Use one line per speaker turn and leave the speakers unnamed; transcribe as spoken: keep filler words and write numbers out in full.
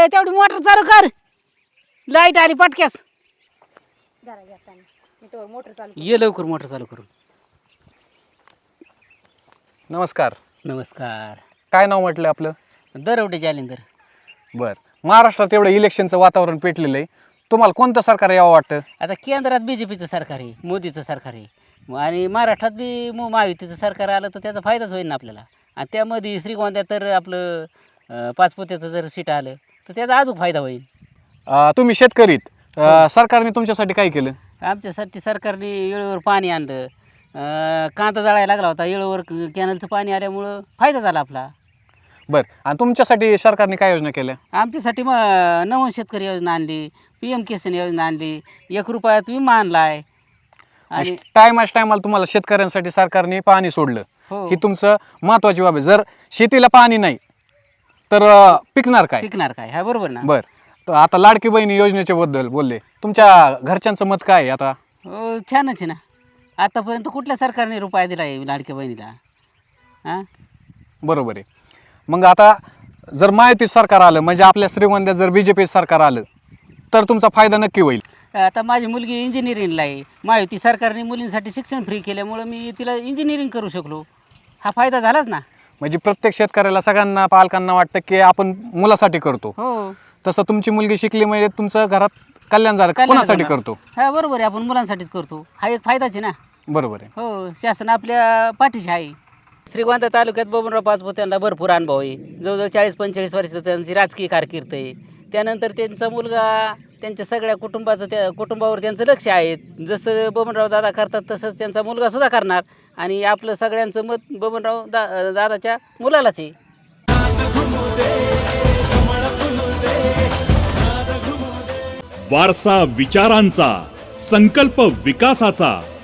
तेवढी मोटर चालू कर. लाईट आली पटक्यास.
जरा येताना मी तो मोटर चालू
ये लवकर मोटर चालू करून.
नमस्कार.
नमस्कार.
काय नाव म्हटलं आपलं?
दरवटे जालिंदर.
बर. महाराष्ट्रात एवढं इलेक्शनचं वातावरण पेटलेलं आहे, तुम्हाला कोणतं सरकार यावं वाटतं?
आता केंद्रात बी जे पीचं सरकार आहे, मोदीचं सरकार आहे, आणि महाराष्ट्रात बी मो महायुतीचं सरकार आलं तर त्याचा फायदाच होईल ना आपल्याला. आणि त्यामध्ये श्रीगोंद्यात तर आपलं अं, पाचपोत्याचं जर सीट आलं तर त्याचा अजून फायदा होईल.
अं, तुम्ही शेतकरीत अं, सरकारने तुमच्यासाठी काय केलं?
आमच्यासाठी सरकारने वेळेवर पाणी आणलं. अं, कांदा जाळायला लागला होता, वेळेवर कॅनलचं पाणी आल्यामुळं फायदा झाला आपला.
बरं. आणि तुमच्यासाठी सरकारने काय योजना केल्या?
आमच्यासाठी मग नवं शेतकरी योजना आणली, पी एम किसान योजना आणली, एक रुपयात विमा आणला आहे. आणि
टायमाच टायमाला तुम्हाला शेतकऱ्यांसाठी सरकारने पाणी सोडलं,
हो
ही तुमचं महत्वाची बाब आहे. जर शेतीला पाणी नाही तर अं, पिकणार काय?
पिकणार काय, हा बरोबर ना.
बर. तर आता लाडकी बहिणी योजनेच्या बद्दल बोलले, तुमच्या घरच्यांचं मत काय आहे आता?
हो छानच आहे ना. आतापर्यंत कुठल्या सरकारने रुपया दिला आहे लाडक्या बहिणीला? हां
बरोबर आहे. मग आता जर महायुती सरकार आलं, म्हणजे आपल्या श्रीगोंद्यात जर बी जे पी सरकार आलं तर तुमचा फायदा नक्की होईल.
आता माझी मुलगी इंजिनिअरिंगला आहे. महायुती सरकारने मुलींसाठी शिक्षण फ्री केल्यामुळं मी तिला इंजिनिअरिंग करू शकलो. हा फायदा झालाच ना.
म्हणजे प्रत्येक शेतकऱ्याला, सगळ्यांना, पालकांना वाटतं की आपण मुलासाठी करतो,
हो
तसं तुमची मुलगी शिकली म्हणजे तुमचं घरात कल्याण झालं.
कल्याण
कोणासाठी
झालं.
करतो?
हा बरोबर आहे, आपण मुलांसाठीच करतो. हा एक फायदाच आहे ना.
बरोबर आहे.
हो शासन आपल्या पाठीशी आहे. श्रीगोंदा तालुक्यात बबनराव पाचपुते यांना भरपूर अनुभव आहे. जवळजवळ चाळीस पंचेचाळीस वर्षाचं त्यांची राजकीय कारकीर्द आहे. त्यानंतर त्यांचा मुलगा, त्यांच्या सगळ्या कुटुंबाचं त्या कुटुंबावर त्यांचं लक्ष आहे. जसं बबनराव दादा करतात तसंच त्यांचा मुलगासुद्धा करणार. आणि आपलं सगळ्यांचं मत बबनराव दा दादाच्या मुलालाच आहे.
वारसा विचारांचा, संकल्प विकासाचा.